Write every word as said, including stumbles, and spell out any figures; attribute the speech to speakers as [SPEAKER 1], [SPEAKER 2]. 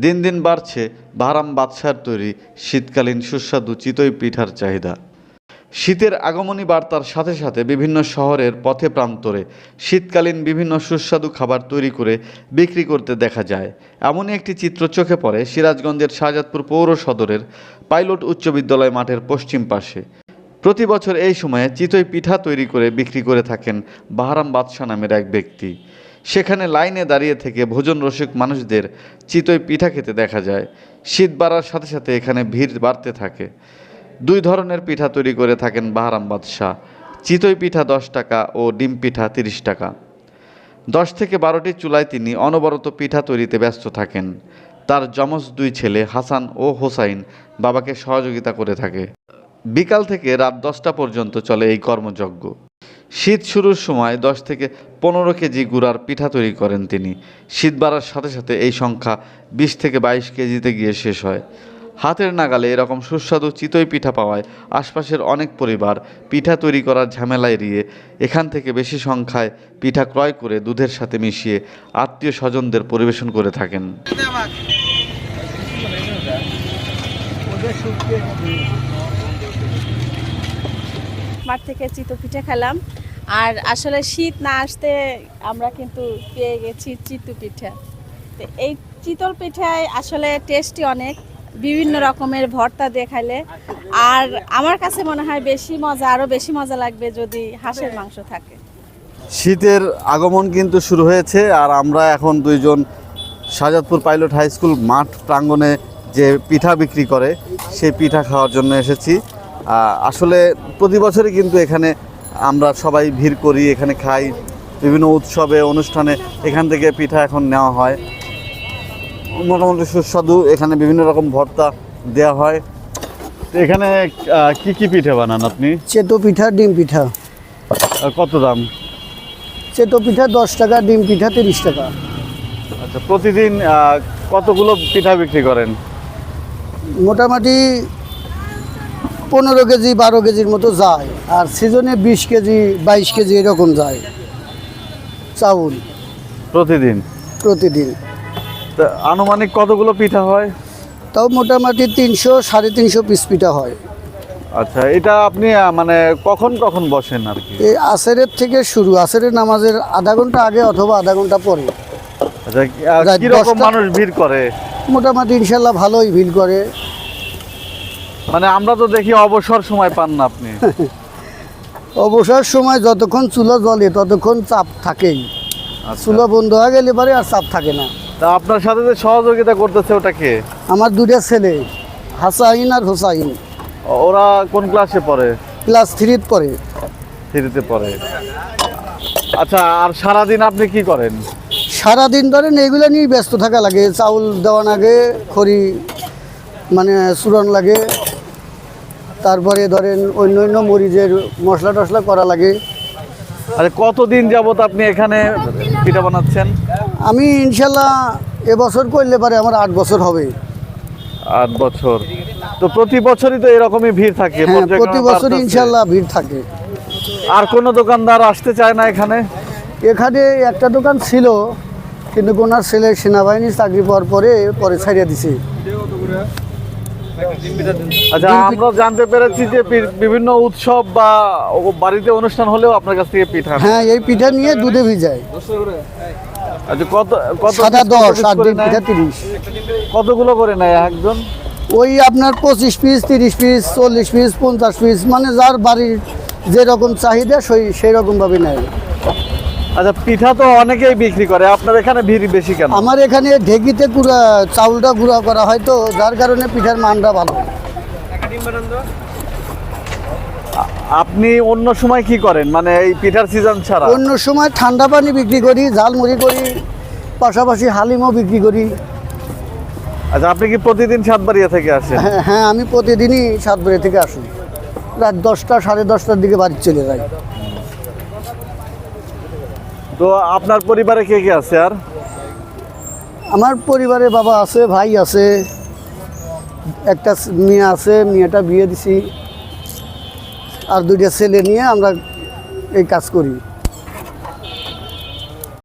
[SPEAKER 1] দিন দিন বাড়ছে বাহারাম বাদশার তৈরি শীতকালীন সুস্বাদু চিতই পিঠার চাহিদা। শীতের আগমনী বার্তার সাথে সাথে বিভিন্ন শহরের পথে প্রান্তরে শীতকালীন বিভিন্ন সুস্বাদু খাবার তৈরি করে বিক্রি করতে দেখা যায়। এমনই একটি চিত্র চোখে পড়ে সিরাজগঞ্জের শাহজাদপুর পৌর সদরের পাইলট উচ্চ বিদ্যালয় মাঠের পশ্চিম পাশে। প্রতি বছর এই সময়ে চিতই পিঠা তৈরি করে বিক্রি করে থাকেন বাহারাম বাদশা নামের এক ব্যক্তি। সেখানে লাইনে দাঁড়িয়ে থেকে ভোজন রসিক মানুষদের চিতই পিঠা খেতে দেখা যায়। শীত বাড়ার সাথে সাথে এখানে ভিড় বাড়তে থাকে। দুই ধরনের পিঠা তৈরি করে থাকেন বাহারাম বাদশা। চিতই পিঠা দশ টাকা ও ডিম পিঠা তিরিশ টাকা। দশ থেকে বারোটি চুলায় তিনি অনবরত পিঠা তৈরিতে ব্যস্ত থাকেন। তার যমজ দুই ছেলে হাসান ও হোসাইন বাবাকে সহযোগিতা করে থাকে। বিকাল থেকে রাত দশটা পর্যন্ত চলে এই কর্মযজ্ঞ। শীত শুরুর সময় দশ থেকে পনেরো কেজি গুড়ার পিঠা তৈরি করেন তিনি। শীত বাড়ার সাথে সাথে এই সংখ্যা বিশ থেকে বাইশ কেজিতে গিয়ে শেষ হয়। হাতের নাগালে এরকম সুস্বাদু চিতই পিঠা পাওয়ায় আশপাশের অনেক পরিবার পিঠা তৈরি করার ঝামেলা এড়িয়ে এখান থেকে বেশি সংখ্যায় পিঠা ক্রয় করে দুধের সাথে মিশিয়ে আত্মীয় স্বজনদের পরিবেশন করে থাকেন।
[SPEAKER 2] মাঠ থেকে চিতই পিঠা খেলাম, আর আসলে শীত না আসতে আমরা কিন্তু পেয়ে গেছি চিতই পিঠা। তো এই চিতল পিঠায় আসলে টেস্টি অনেক, বিভিন্ন রকমের ভর্তা দিয়ে খাইলে। আর আমার কাছে মনে হয় বেশি মজা, আরও বেশি মজা লাগবে যদি হাঁসের মাংস থাকে।
[SPEAKER 1] শীতের আগমন কিন্তু শুরু হয়েছে, আর আমরা এখন দুইজন শাহজাদপুর পাইলট হাই স্কুল মাঠ প্রাঙ্গণে যে পিঠা বিক্রি করে সেই পিঠা খাওয়ার জন্য এসেছি। আসলে প্রতি বছরই কিন্তু এখানে আমরা সবাই ভিড় করি, এখানে খাই। বিভিন্ন উৎসবে অনুষ্ঠানে এখান থেকে পিঠা এখন নেওয়া হয়। মোটামুটি সুস্বাদু, এখানে বিভিন্ন রকম ভর্তা দেওয়া হয়। তো এখানে কি কি পিঠা বানান আপনি?
[SPEAKER 3] চেতো পিঠা, ডিম পিঠা।
[SPEAKER 1] কত দাম?
[SPEAKER 3] চেতো পিঠা দশ টাকা, ডিম পিঠা তিরিশ টাকা।
[SPEAKER 1] আচ্ছা, প্রতিদিন কতগুলো পিঠা বিক্রি করেন?
[SPEAKER 3] মোটামুটি পনেরো কেজি বারো কেজির মতো যায়, আর সিজনে বিশ কেজি বাইশ কেজি এরকম যায় চাউল
[SPEAKER 1] প্রতিদিন।
[SPEAKER 3] প্রতিদিন
[SPEAKER 1] তা আনুমানিক কতগুলো পিঠা হয়?
[SPEAKER 3] তাও মোটামুটি তিনশো সাড়ে তিনশো পিস পিঠা হয়।
[SPEAKER 1] আচ্ছা, এটা আপনি মানে কখন কখন বসেন আর কি?
[SPEAKER 3] এই আসরের থেকে শুরু, আসরের নামাজের আধা ঘন্টা আগে অথবা আধা ঘন্টা পরে।
[SPEAKER 1] আচ্ছা, কিরকম মানুষ ভিড় করে?
[SPEAKER 3] মোটামুটি ইনশাল্লাহ ভালোই ভিড় করে।
[SPEAKER 1] মানে আমরা তো দেখি অবসর সময় পান না আপনি?
[SPEAKER 3] অবসর সময় যতক্ষণ চুলা জ্বলে ততক্ষণ চাপ থাকেই। চুলা বন্ধ হয়ে গেলে পরে আর চাপ থাকে না।
[SPEAKER 1] তা আপনার সাথে যে সহযোগিতা করতেছে ওটা কে?
[SPEAKER 3] আমার দুটা ছেলে, হাসাইন আর হোসাইন।
[SPEAKER 1] ওরা কোন ক্লাসে পড়ে?
[SPEAKER 3] ক্লাস থ্রিতে পড়ে।
[SPEAKER 1] থ্রিতে পড়ে। আচ্ছা, আর সারাদিন আপনি কি করেন?
[SPEAKER 3] সারাদিন ধরেন এগুলো নিয়ে ব্যস্ত থাকা লাগে। চাউল দেওয়া লাগে, খড়ি মানে চূরণ লাগে, তারপরে ধরেন অন্য অন্য মরিচের মশলা টশলা করা লাগে।
[SPEAKER 1] আরে কতদিন যাবত আপনি এখানে পিঠা বানাচ্ছেন?
[SPEAKER 3] আমি ইনশাল্লাহ এবছর করলে পারে আমার আট বছর হবে।
[SPEAKER 1] আট বছর। তো প্রতি বছরই তো এরকমই ভিড় থাকে?
[SPEAKER 3] হ্যাঁ, প্রতি বছর ইনশাল্লাহ ভিড় থাকে।
[SPEAKER 1] আর কোনো দোকানদার আসতে চায় না এখানে?
[SPEAKER 3] এখানে একটা দোকান ছিল, কিন্তু ওনার ছেলে সেনাবাহিনীর চাকরি পাওয়ার পরে পরে ছাড়িয়ে দিছে।
[SPEAKER 1] আচ্ছা, আমরা জানতে পেরেছি যে বিভিন্ন উৎসব বা বাড়িতে অনুষ্ঠান হলেও আপনার কাছ থেকে পিঠা।
[SPEAKER 3] হ্যাঁ, এই পিঠা নিয়ে দুধে ভিজায়।
[SPEAKER 1] আচ্ছা, কত কত?
[SPEAKER 3] সাদা দশ আর ডিম পিঠা তিরিশ।
[SPEAKER 1] কতগুলো করে নেয় একজন?
[SPEAKER 3] ওই আপনার পঁচিশ পিস, তিরিশ পিস, চল্লিশ পিস, পঞ্চাশ পিস, মানে যার বাড়ির যেরকম চাহিদা সেই সেই রকমভাবে নেয়।
[SPEAKER 1] আচ্ছা, পিঠা তো অনেকেই বিক্রি করে, আপনার এখানে ভিড় বেশি কেন?
[SPEAKER 3] আমার এখানে ঢেকিতে গুঁড়া চাউলটা গুঁড়া করা হয়, তো যার কারণে পিঠার মানটা ভালো।
[SPEAKER 1] আপনি অন্য সময় কি করেন, মানে এই পিঠার সিজন ছাড়া?
[SPEAKER 3] অন্য সময় ঠান্ডা পানি বিক্রি করি, ঝালমুড়ি করি, পাশাপাশি হালিমও বিক্রি করি।
[SPEAKER 1] আচ্ছা, আপনি কি প্রতিদিন সাতবাড়িয়া থেকে আসেন?
[SPEAKER 3] হ্যাঁ হ্যাঁ, আমি প্রতিদিনই সাতবাড়ি থেকে আসি। রাত দশটা সাড়ে দশটার দিকে বাড়ি চলে যাই।
[SPEAKER 1] তো আপনার পরিবারে কে কে আছে? আর
[SPEAKER 3] আমার পরিবারে বাবা আছে, ভাই আছে, একটা মেয়ে আছে, মেয়েটা বিয়ে দিছি, আর দুইটা ছেলে নিয়ে আমরা এই কাজ করি।